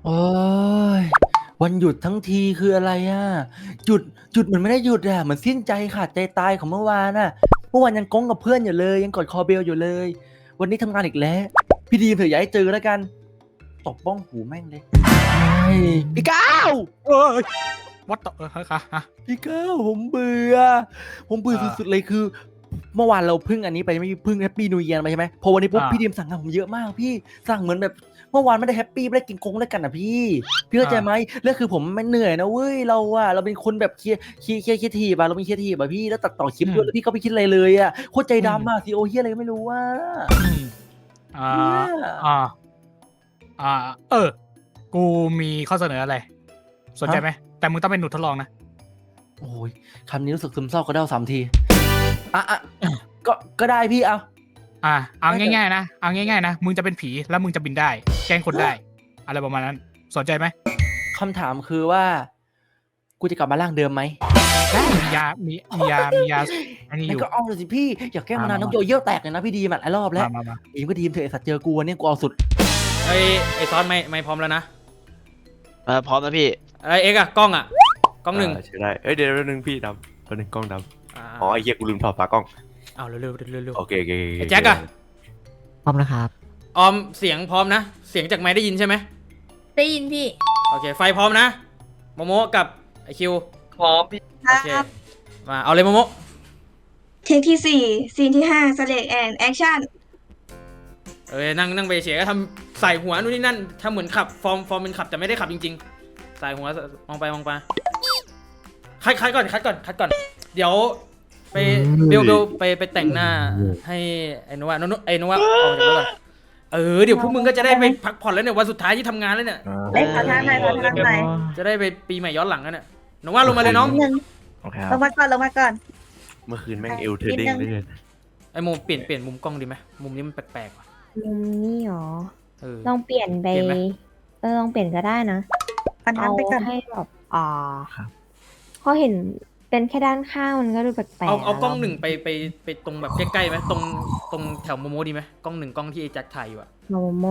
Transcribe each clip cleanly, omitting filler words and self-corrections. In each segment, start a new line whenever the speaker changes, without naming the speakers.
โอ้ยวันหยุดทั้งทีคืออะไรอ่ะหยุดเหมือนไม่ได้หยุดอ่ะเหมือนสิ้นใจขาดใจตายของเมื่อวานอ่ะเมื่อวานยังก้งกับเพื่อนอยู่เลยยังกอดคอเบลอยู่เลยวันนี้ทำงานอีกแล้วพี่ดีมเถอะอย่าให้เจอแล้วกันตบบ้องหูแม่งเลยเฮ้ยพี่ก้าว
เอ้ยวัดต่อฮะ
พี่ก้าวผมเบื่อสุดๆเลยคือ เมื่อวานเราพึ่งอันนี้ไปไม่พึ่งแฮปปี้นิวเยียร์ไปใช่ไหมพอวันนี้ปุ๊บพี่ดีมสั่งงานผมเยอะมากพี่สั่งเหมือนแบบเมื่อวานไม่ได้แฮปปี้ไม่ได้กินกงด้วยกันอ่ะพี่เข้าใจไหมเรื่องคือผมไม่เหนื่อยนะเว้ยเราเป็นคนแบบเคลียร์ทีบอะเราเป็นเคลียร์ทีบอะพี่แล้วตัดต่อคลิปด้วยแล้วพี่ก็ไม่คิดอะไรเลยอ่ะโคตรใจดำอะซีโอเฮียอะไรก็ไม่รู้ว่า
อ่าอ่าอ่ากูมีข้อเสนออะไรสนใจไหมแต่มึงต้องเป็นหนูทดลองนะ
โอ้ยคำนี้รู้สึกซึมเศร้าก็ได้3 ทีอ่ะก็ได้พี่เอา
เอาง่ายๆนะเอาง่ายๆนะมึงจะเป็นผีแล้วมึงจะบินได้แกล้งคนได้อะไรประมาณนั้นสนใจไหม
คำถามคือว่ากูจะกลับมาร่างเดิมไหม
ได้มียาอันนี้อ
แล้ว
ยู่
ก็เอาเลยสิพี่อยากแกล้งมานานน้องโยเยี่ยวแตกเลยนะพี่ดีมหลายรอบแล้วดีมก็ดีมเถอะไอสัตว์เจอกูวันนี้กูเอาสุด
ไอซอนไม่พร้อมแล้วนะ
พร้อมนะพี่
ไอเอ็กอะกล้องหนึ่ง
ใช่ได้เดี๋ยวนึงพี่ดำตัวนึงกล้องดำอ๋อไอ้เหี้ยกูลืมถอดฝากล้อง
เอาเร็ว
โอเค
ไอแจ็คอะ
พร้อมนะครับ
ออมเสียงพร้อมนะเสียงจากไมค์ได้ยินใช่ไหม
ได้ยินพี่
โอเคไฟพร้อมนะโมโมกับไอคิว
พร้อมพี่
โอเคมาเอาเลยโมโม
เทคที่4ซีนที่5สเลกแอนแอคชั่น
นั่งไปเฉยก็ทำใส่หัวนู่นนี่นั่นทำเหมือนขับฟอร์มเป็นขับแต่ไม่ได้ขับจริงๆใส่หัวมองไปคัดก่อนเดี๋ยวไปเบลไปแต่งหน้าให้ไอ้นวะออกจากรถก่อนเดี๋ยวพวกมึงก็จะได้ไปพักผ่อนแล้วเนี่ยวันสุดท้ายที่ทำงานแล้วเนี่ย
ขอทางหน่อย
จะได้ไปปีใหม่ย้อนหลังกันเนี่ยน้องว่าลงมาเลยน้อง
ลงมาก่อน
เมื่อคืนแม่งเอลเทอร์ดิ้งเลย
ไอ้โมเปลี่ยนมุมกล้องดีไหมมุมนี้มันแปลกๆว่ะ
มุมนี้หรอลองเปลี่ยนไปลองเปลี่ยนก็ได้นะเอาให้แบบเขาเห็นเป็นแค่ด้านข้างมันก็ดูแปลกๆ
เอากล้อง1ไปตรงแบบใกล้ๆไหมตรงแถวโมโมดีไหมกล้อง1กล้องที่ไอ้แจ็คถ่ายอยู่อะ
โมโม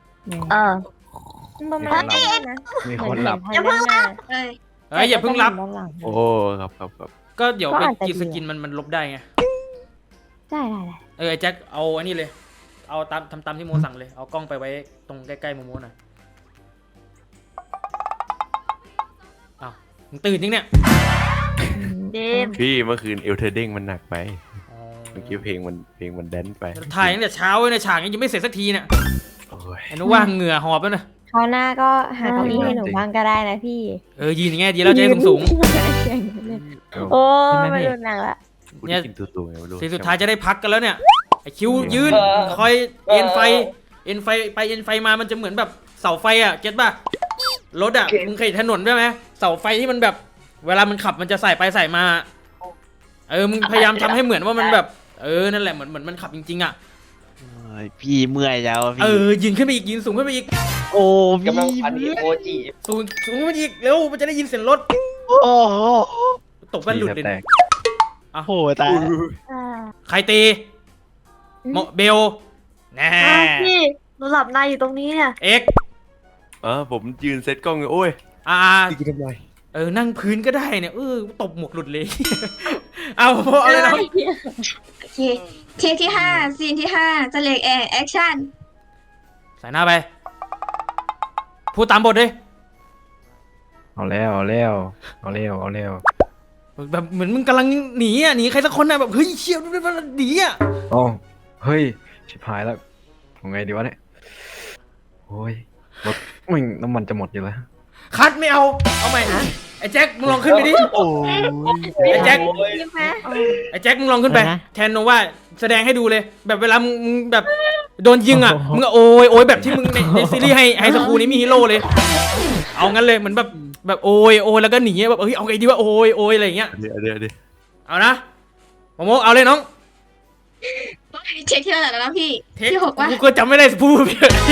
ประมาณนี้นะ
มีคนหลับ
อย่าเพิ่งรับ
อย่าเพิ่งรับ
โอ้ครับ
ก็เดี๋ยวไปกีสกินมันลบได้ไง
ได้
ไอ้แจ็คเอาอันนี้เลยเอาทำตามที่โมสั่งเลยเอากล้องไปไว้ตรงใกล้ๆโมโมหน่อยอ้าวมึงตื่นจริงเนี่ย
พี่เมื่อคืนเอลเทอร์ดิ้งมันหนักไปเมื่อกี้เพลงมันแดนไป
ถ่ายตั้งแต่เช้าเลยฉากยังไม่เสร็จสักทีเนี่ยไอ้นุว่าเหงื่อหอบแล้วนะ
คราวหน้าก็หาเก้าอี้ให้หนูบ้างก็ได้นะพี่
ยืนอย่างเงี้ยดีแล้วใจสูง
โอ้ไม่รุนแรงละ
เนี่ยทีสุดท้ายจะได้พักกันแล้วเนี่ยไอคิวยืนคอยเอ็นไฟไปเอ็นไฟมามันจะเหมือนแบบเสาไฟอ่ะเก็ตป่ะรถอ่ะมึงเคยถนนด้วยไหมเสาไฟที่มันแบบเวลามันขับมันจะใส่ไปใส่มามึงพยายามทำให้เหมือนว่ามันแบบนั่นแหละเหมือนมันขับจริงๆอ่ะ
พี่เมื่อยแล้วพี่
ยืนขึ้นไปอีกยืนสูงขึ้นไปอีก
โอ้พี่
กำลังพันโอจีสูงขึ้นไปอีกเร็วมันจะได้ยินเสียงรถ
โอ้
ตกแว่นหลุดเลย
โอ้ตาย
ใครตีเบลแน่
พี่หนูหลับในอยู่ตรงนี้เนี่ย
เอ็ก
ผมยืนเซตกล้องโอ้ย
ตีกันทำไมนั่งพื้นก็ได้เนี่ยตบหมวกหลุดเลยเอาเลยนะ
โอเคเทคที่5ซีนที่5สเลกแอนแอคชั่น
ใส่หน้าไปพูดตามบทเลย
เอาแล้ว
แบบเหมือนมึงกำลังหนีใครสักคนแบบเฮ้ยเชี่ยวด้วยมันหนี
อ๋อเฮ้ยชิบหายแล้วยังไงดีวะเนี่ยโอ้ยรถมึงน้ำมันจะหมดอยู่แล้ว
คัดไม่เอาใหม่ไอ้แจ็คมึงลองขึ้นไปดิไอ้แจ็คมึงลองขึ้นไปแทนโนว่าแสดงให้ดูเลยแบบเวลามึงแบบโดนยิงมึงโอยแบบที่มึงในซีรีส์ไฮสคูลนี้มีฮีโร่เลยเอางั้นเลยเหมือนแบบโอยแล้วก็หนีแบบเอาไงดีว่าโอยอะไรอย่างเงี้ย
เดี๋ยว
เอานะโมโมเอาเลยน้อง
เช็คที่เท่าไหร่แล้วนะพี่ที่6ว่า
กูก็จำไม่ได้พูด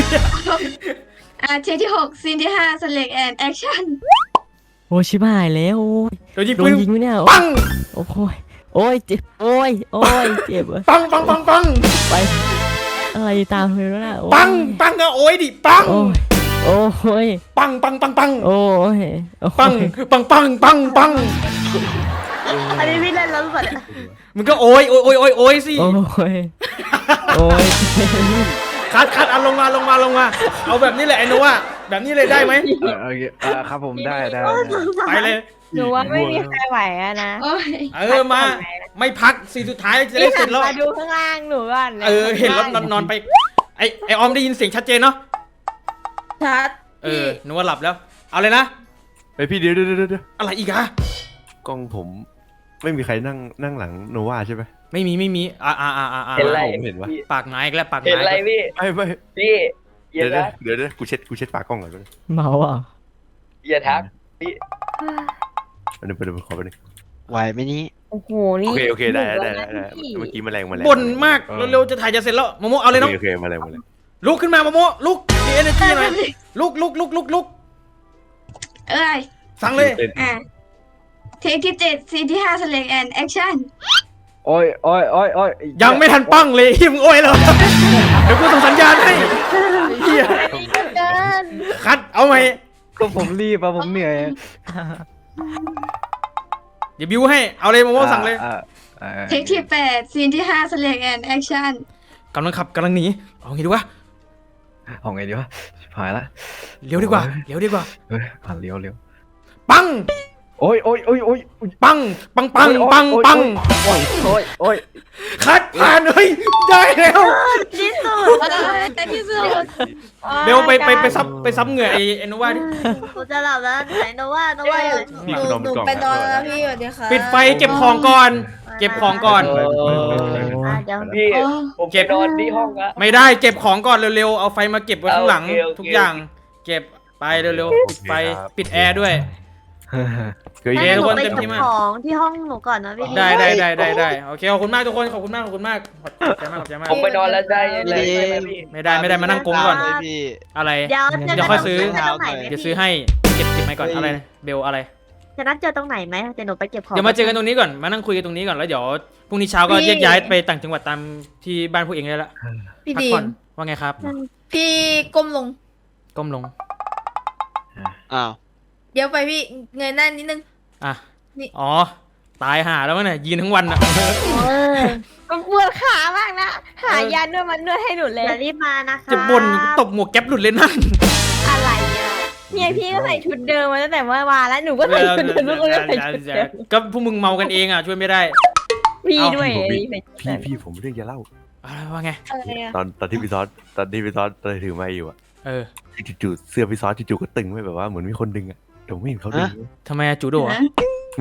เทคที่6ซีนที่5สเลกแอนแอคชั่น
โอ้ชิบหายแล้วโดนยิงไหมเนี่ย
ปัง
โอ้ยเจ็บโอ้ยเจ็บ
ปัง
ไปอะไรตามเลยแล้วนะ
ปังก็โอ้ยดิปัง
โอ้ย
ปังปังปังปัง
โอ้ย
ปังปังปังปังปัง
อันนี้พี่เล่นแล้วหรือเปล่าเนี่ย
มึงก็โอยโอยโอยโอยโอยสิ
โอ้ยโอ้ย
คัดเอาลงมาลงมาลงมาเอาแบบนี้แหละไอ้โนว่าแบบนี้เลยได้ไหม
โอเคครับผมได้
ไปเลย
หนูว่าไม่มีใครไหวอะนะ
โอ้ย
มาไม่พักสีสุดท้ายจะได้
พี่
เส
หั
ร็
น
จแล้ว
มาดูข้างล่างหนูก่อน
เห็นแล้วนอนไปไอออมได้ยินเสียงชัดเจนเนาะ
ชัด
นึกว่าหลับแล้ว เอาเลยนะ
ไปพี่เดี๋ยว
อะไรอีกอะ
กล้องผมไม่มีใครนั่งหลังโนวาใช่ไหม
ไม่มี
เห็นอะไร
ผมเห็นว่า
ปากไม้อีกแล้วปาก
เห็น
ไม้
อะไรพี่
ไม่
พี่อ
เดี๋
ย่า
ยว
ทัก
กูเช็ดปากกล้องก่อนไป
เมาอ่ะ
อย่าทัก
เดี๋ยวขอไปหนึ่ง
ไหวไหมนี้
โอ้โหนี่
โอเคได้เมื่อกี้แมลง
บ่นมากเร็วๆจะถ่ายจะเสร็จแล้วโมโมเอาเลยน้อง
โอเคแมลง
ลุกขึ้นมาโมโมลุกมี energy หน่อยลุก
เอ้ย
สั่งเลย
อ่ะเทคที่7ซีนที่5 select and action
โอ้ย
ยังไม่ทันปั้งเลยหิมงโอ้ยเลยเดี๋ยวกูส่งสัญญาณให้เฮีย
เกิน
คัดเอาไหม
ก็ผมรีบผมเหนื่อย
เดี๋ยวบิวให้เอาเลยโมโมสั่งเลย
เทคที่8ซีนที่5 select and action
กำลังขับกำลังหนีเอาไงดีวะ
เอาไงดีวะชิบหายละ
เลี้ยวดีกว่า
เลี้ยว
ปัง
โอ้ย
ปังคัดผ่านเฮ้ยได้แล้ว
ที่สุดที่สุด
เบลไปซับเหงื่อไอ้โนวาดิ
กูจะหลับแล้วไหนโนว่าอยู่
พี่คุณนอนกล่อง
ไปนอนแล้วพี่สวัสดีค่ะ
ปิดไฟเก็บของก่อน เก็บของก่อน
เดี๋ยว
พี่ผมเก็บนอนที่ห้องละ
ไม่ได้เก็บของก่อนเร็วๆเอาไฟมาเก็บไว้ข้างหลัง
โอเค
ทุกอย่าง เก็บไปเร็วๆปิดไฟปิดแอร์ด้วย
เคย
เย้
เย็น
ทุกคนเต็มที่มาก
ของที่ห้องหนูก่อนนะพี่
ได้โอเคขอบคุณมากทุกคนขอบคุณมากขอบใจมาก
ผมไปนอนแล้วได้เลยพี่
ไม่ได้มานั่งกงก่อน
พี่
อะไร
เดี๋ยว
เดี๋ยวค่อยซื้อ
จะตรงไหนไหม
เดี๋ยวซื้อให้เก็บไว้ก่อนอะไรเบลอะไร
จะนัดเจอตรงไหนไหมเดี๋ยวหนูไปเก็บของ
เดี๋ยวมาเจอกันตรงนี้ก่อนมานั่งคุยกันตรงนี้ก่อนแล้วเดี๋ยวพรุ่งนี้เช้าก็แยกย้ายไปต่างจังหวัดตามที่บ้านพวกเองได้ละ
พี่
พัก
ดี
ผ่อ
ม
นว่าไงครับ
พี่ก้มลง
ก้มลง
อ้าว
เดี๋ยวไปพี่เงยหน้านิดนึง
อ่ะ
นี่
อ๋อตายห่าแล้วมั้งเนี่ยยืนทั้งวันอ่ะ
มันปวดขามากนะหายานวดมันนวดให้หนูเลยรีบมานะคะ
จะบ่นตบหมวกแก๊ปหลุดเลยนั่น
อะไรอ่ะเนี่ยพี่ก็ใส่ชุดเดิมมาตั้งแต่เมื่อวานแล้วหนูก็ใส่ชุดเดิมแล้วก็ใส่ชุดเดิม
ก็พวกมึงเมากันเองอ่ะช่วยไม่ได้
พี่ด้วย
พี่ผมเรื่องจะเล่า
อะไรว่าไง
อะไรอะ
ตอนที่พี่ซอสถือไม้อยู่อะ
เออ
จู่ๆเสื้อพี่ซอสจู่ๆก็ตึงไว้แบบว่าเหมือนมีคนดึงอะเดี๋ยวไม่เห็นเขาดึง
ทำไมอะจูโดอ่ะ
ไม่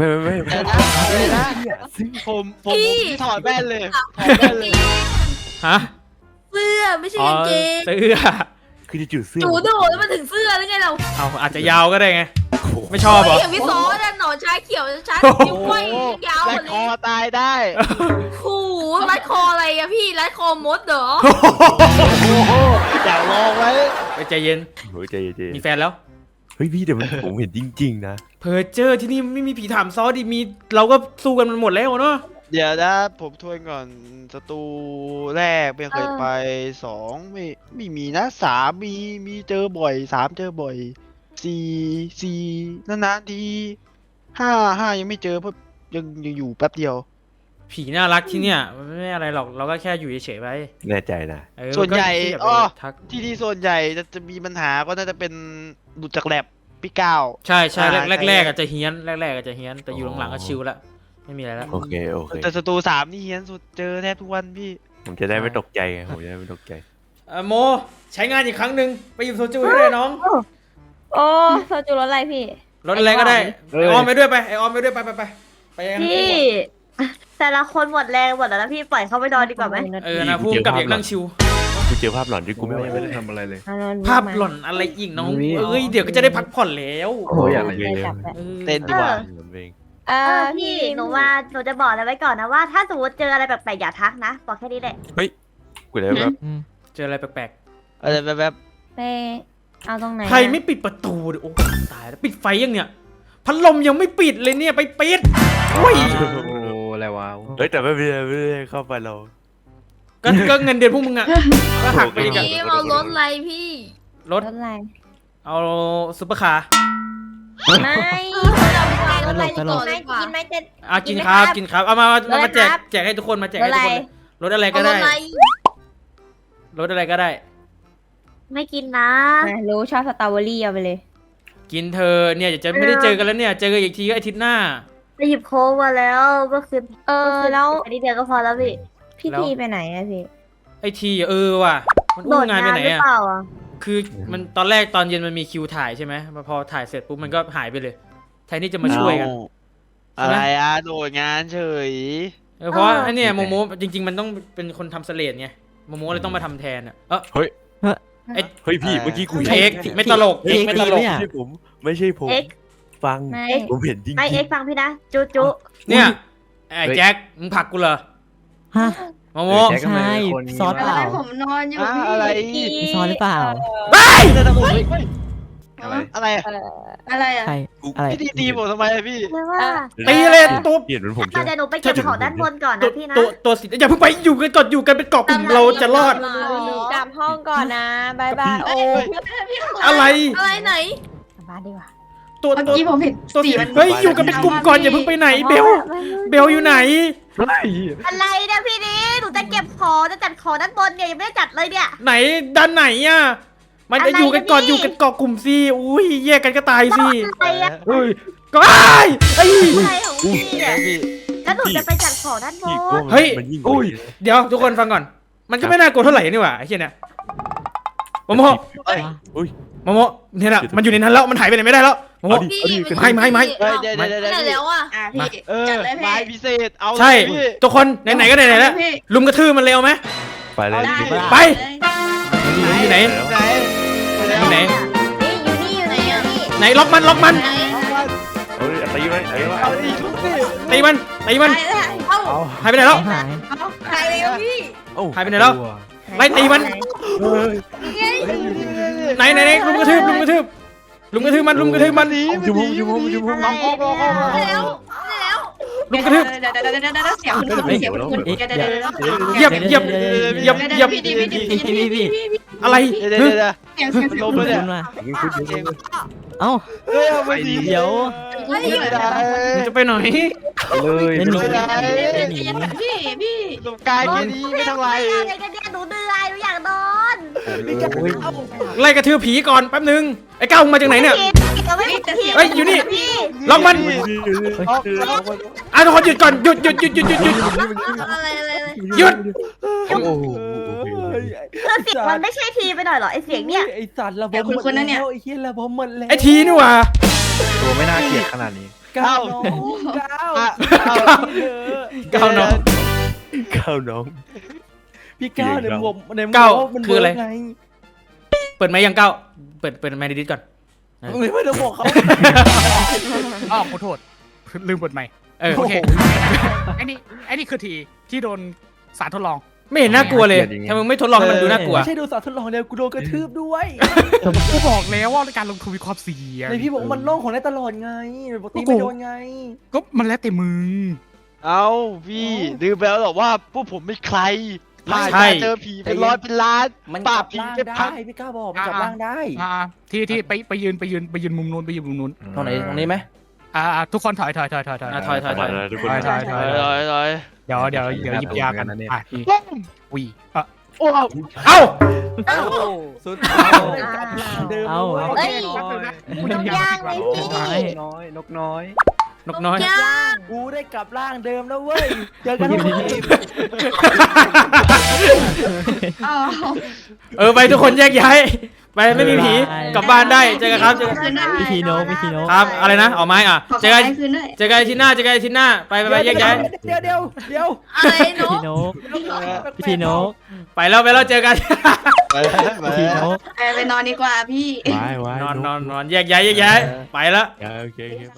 ผมถอดแว่นเลยถอดแว่นเลย
ฮะ
เสื้อไม่ใช่
อ๋อก
างเกง
เสื้อ
คือจู่ๆเสื้อ
จูโดแล้วมันถึงเสื้อหรือไงเรา
เอาอาจจะยาวก็ได้ไงไม่ชอบเหรอ
อย่างพี่ซอสหนอนชาเขียวชานิ้วก้อยยาว
และ
หมด
ค
เล
อย ตายได้
ขู่รัดคออะไรอะพี่รัดคอมดเหรอ
อยากลองไว้
ไปใจเย็น
โอ้ยใจเย็น
มีแฟนแล้ว
เฮ้ยพี่เดี๋ยวผมเห็นจริงๆนะ
เพอเจอที่นี่ไม่มีผีถามซอดิมีเราก็สู้กันมันหมดแล้วเนาะ
เดี๋ยวนะผมทวนก่อนศัตรูแรกไม่เคยไป2ไม่มีนะ3มีเจอบ่อย3เจอบ่อย4นานๆที5ยังไม่เจอเพราะยังอยู่แป๊บเดียว
ผีน่ารักที่เนี่ยมันไม่อะไรหรอกเราก็แค่อยู่เฉยๆไป
แน่ใจนะ
ส่วนใหญ่
ก็อย่าไป
อ้อ
ทัก
ที่ส่วนใหญ่จะมีปัญหาก็น่าจะเป็นหลุดจากแลบพี่ก้าว
ใช่แรก
ใช่
แรกอาจจะเฮี้ยนแรกอาจจะเฮี้ยนแต่อยู่หลังๆก็ชิลละไม่มีอะไรละ
โอเค
แต่ศัตรู3นี่เฮี้ยนสุดเจอแทบทุกวันพี่
ผมจะได้ไม่ตกใจไงผมจะได้ไม่ตกใจ
โมใช้งานอีกครั้งหนึ่งไปอยู่โซจูให้ด้วยน้อง
โอ้โซจูรถอะไรพี่
รถอะไรก็ได้ไอออมไปด้วยไปไอออมไปด้วยไปยัง
พี่แต่ละคนหมดแรงหมดแล้วนะพี่ปล่อยเขาไปนอนดีกว่าไหม
นะพูดกับเด็กนั่งชิว
กูเจอภาพหลอนที่กูไม่ไหว
ไม่
เล
ได้
ย
ทำอะไรเลย
ภาพหล่อนอะไรอีกน้องเอ้ยเดี๋ยวก็จะได้พักผ่อนแล้ว
โอ้ยอะไร
เต้นดีกว่า
พี่หนูว่าหนูจะบอกอะไรไว้ก่อนนะว่าถ้าสมมติเจออะไรแปลกๆอย่าทักนะบอกแค่นี้แหละ
กูได้แบบ
เจออะไรแปลก
อะไรแบบ
ไปเอาตรงไหน
ๆใครไม่ปิดประตูดิโอ้ตายแล้วปิดไฟยังเนี่ยพัดลมยังไม่ปิดเลยเนี่ยไปปิดโอ้ย
โอ้อะไรวะ
เฮ้ยแต่ไม่ได้เข้าไปเรา
ก็เงินเดือนพวกมึงอ่ะก็หักไปอีกอะ
พี่เอารถอะไรพี่
รถ
รถอะไร
เอาซุปเปอร์คาร์
ไม่
ตลกตลก
กินไหมจะ
กินครับกินครับเอามาแจก
ครับ
แจกให้ทุกคนมาแจกให้ทุกคนรถอะไรก็ได้รถอะไรก็ได้
ไม่กินนะรู้ชอบสตรอเบอรี่เอาไปเลย
กินเธอเนี่ยจะไม่ได้เจอกันแล้วเนี่ยเจอกันอีกทีก็อาทิตย์หน้า
ไปหยิบโค้กมาแล้วก็คือแล้วอันนี้เดียวก็พอแล้วพี่ทีไปไหนอะพี่
ไอทีว่ะมันอู้งานไปไหนอะคือมันตอนแรกตอนเย็นมันมีคิวถ่ายใช่ไหมพอถ่ายเสร็จปุ๊บมันก็หายไปเลยแทนที่จะมาช่วยกัน
อะไรโดดงานเฉย
เพราะไอเนี่ยโมโมจริงๆมันต้องเป็นคนทำเสลดไงโมโมเลยต้องมาทำแทนอะ
เฮ้ยพี่เมื่อกี้กู
เอ็กไม่ตลกเอ็กไม่ตลก
ไม่ใช่ผมฟังผมเห็นจริง
ไม่เอ็กฟังพี่นะจุ
เนี่ยไอ้แจ็คมึงผลักกูเหรอ
ฮะ
โมโม
แจ็คก็ไม่
ใช่
เป็นคน
ซอสเปล่า
ผมนอนอยู่
อะไร
มีซอสหรือเปล่า
อะไร
อะไรอ่ะ
ใครอะไร
พี่ตีผมทำไมพี่
ตีเลยตัว
เปลี่ยนเป็นผม
เดี๋ยวหนูไปเก็บของด้านบนก่อนนะพี่นะ
ตัวสิอย่าเพิ่งไปอยู่กันก่อนอยู่กันเป็นเกาะกลุ่มเราจะรอด
กลับห้องก่อนนะบายบายโอ้
อะไร
อะไรไหน
กลับบ้านดีกว่า
ตัว
เมื่อกี้ผมเห็น
ตัว
สีมัน
เฮ้ยอยู่กันเป็นกลุ่มก่อนอย่าเพิ่งไปไหนเบลอยู่ไหน
อะไรเนี่ยพี่นี่หนูจะเก็บของจะจัดของด้านบนเนี่ยยังไม่ได้จัดเลยเนี่ย
ไหนด้านไหนอ่ะมันจะอยู่กันก่อนอยู่กันเกาะกลุ่มสิอุ้ยแยกกันก็ตายสิ
อะไรอะ
ก็ไอ้
อะไรของพี่เนี่ย
พี่
แล้วหนูจะไปจัดของด้านบน
มันยิ่ง
เดี๋ยวทุกคนฟังก่อน มันก็ไม่น่ากลัวเท่าไหร่นี่หว่าไอ้เชี่ยเนี่ยโมโมโมโมเนี่ยนะมันอยู่ในนั้นแล้วมันหายไปไหนไม่ได้แล้วโมโม ไม่
เดี๋ยว
แล้วอ่ะพี่จัดเลย
ไม้
พี่
พิเศษเอา
ใช่
พี่
ทุกคนไหนๆก็ไหนๆแล้วลุมกระทืบมันเร็วไหม
ไปเลย
ไป อยู่ไหน อยู่ไหน
อยู่นี่
ไหนล็อกมัน
เฮ้ยตีไหม
เอาอีกทุกสิ
ตีมัน
เอา
หายไปไหนแล้ว
หาย
ใครเลยพี่
หายไปไหนแล้วไล่ตีมันไหนลุมกระทืบมันลุมกระทืบมัน
ชั่วโมง
แล้ว
ลุมกระทืบ
เดี๋ยวเสียงคุณเสียงคุณเดี๋ยว
เหยียบ
พี่
อะไร
เดี๋ยว
เสียง
ลมเลยเนี่ย
คุณมาเอ้า
เฮ้ยเอาไปดี
เดี๋ยว
ไม่ได้
มึงจะไปไหน
เลย
เป็นหนี
ไม่ได้
เป็นหนี
พี่
ลมกายแค่นี้ไม่ทำไร
อะไรกันเนี่ยหนูเหนื่อยหนูอยากนอน
ไล่กระทืบผีก่อนแป๊บนึงไอ้ก้าวมึงมาจากไหนเนี่ย
เฮ้ยอยู่นี่
ล็อกมันทุกคนหยุดก่อนหยุด
อะไร
หยุด
โอ้โห
เสียงมันไม่ใช่ทีไปหน่อยเหรอไอเสียงเนี่ย
ไอสัตว์ระบบหมดแล้วไอเฮียระบบหมดแล้ว
ไอ้ทีนี่หว่า
ตัวไม่น่าเกลียดขนาดนี้
ก้าวน้อง
ก้าว
น้อง
พี่ก้าวเนี่ยผมใน
ก้าว
มัน
คืออะไร
ไง
เปิดไมค์ยังก้าวเปิดไมค์ในดิสก่อน
ไม่ต้องบอกเขา
อ้าวขอโทษลืมเปิดใหม่โอเคไอ้นี่คือทีที่โดนสารทดลอง
ไม่เห็นน่ากลัวเลยทำไมไม่ทดลองให้มันดูน่ากลัว
ไม่ใช่ดูสารทดลองเดียวกูโดนกระทืบด้วย
กูบอกแล้วว่าการลงทุนมีความเสี่ยง
ในพี่บอกว่ามันโล่งของได้ตลอดไงปกติไม่โดนไง
ก็มันแล้วแต่มึง
เอาพี่ลืมไปแล้วหรอว่าพวกผมไม่ใคร
ใช่
เจอผีเป็นร้อยเป็นล้าน
มัน
ป
ก
รา
ลั
บบ ผี
ร่าง
เป็น
ได้
พัน
พี่ก้าวบอกมันกลับร่างได้
ที่ไปยืนมุมนู้น
ตรงไหนตรงนี้ไหม
ทุกคนถอย
ถอย
ทุกคน
ถอย
ร้อย
เดี๋ยวหยิบยากันวี
โอ้
เอ้า
สุดท้ายกลับร่างเดิม
เฮ้ยหนูย่างเลยพี่
น้อยนกน้อย
นกน้อย
กูได้กลับร่างเดิมแล้วเว้ยเจอกันทุกที
ไปทุกคนแยกย้ายไปไม่มีผีกลับบ้านได้เจอกันครับ
พี่ทีโน
ครับอะไรนะออกไม้อ่ะ
ขอ
เจอกัน
คืนด้วย
เจอกันอาทิตย์หน้าไปแยกย้าย
เดี๋ยว
อะไรหนู
พี่โนพี่ทีโน
ไปแล้วเจอกัน
พี่ทีโน
ไปนอนดีกว่าพี่
นอนแยกย้ายไปแล้ว
โอเคไป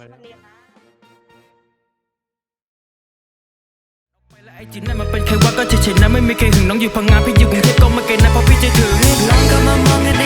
ไอจินนั่นมันเป็นแค่ว่าก็เฉยๆนะไม่มีใครหึงน้องอยู่พังงานพี่อยู่กรุงเทพก็มาเกณฑ์นะเพราะพี่จะถึงน้องก็มามองกันใน